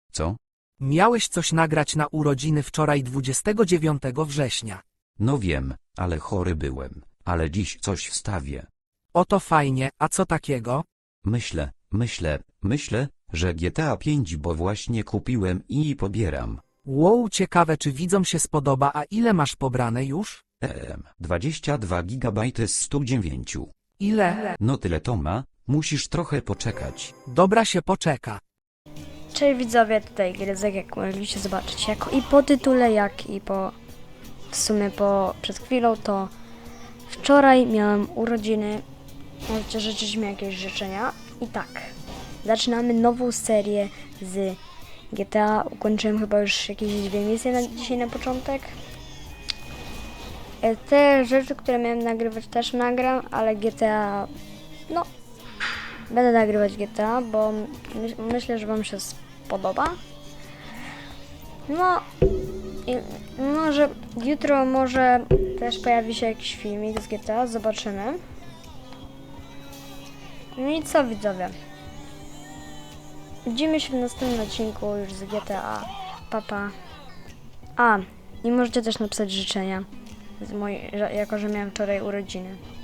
Co? Miałeś coś nagrać na urodziny wczoraj 29 września. No wiem, ale chory byłem, ale dziś coś wstawię. Oto fajnie, a co takiego? Myślę, że GTA 5, bo właśnie kupiłem i pobieram. Wow, ciekawe czy widzom się spodoba, a ile masz pobrane już? 22 GB z 109. Ile? No tyle to ma, musisz trochę poczekać. Dobra, się poczeka. Cześć widzowie, tutaj Gryzek, jak mogliście zobaczyć, jak i po tytule, jak i w sumie przed chwilą, to wczoraj miałem urodziny, możecie życzyć mi jakieś życzenia. I tak, zaczynamy nową serię z GTA, ukończyłem chyba już jakieś 2 misje dzisiaj na początek. Te rzeczy, które miałem nagrywać, też nagram, ale GTA, no, będę nagrywać GTA, bo myślę, że wam się podoba. No i może jutro też pojawi się jakiś filmik z GTA, zobaczymy. No i co widzowie? Widzimy się w następnym odcinku już z GTA. Papa. A, i możecie też napisać życzenia, jako że miałem wczoraj urodziny.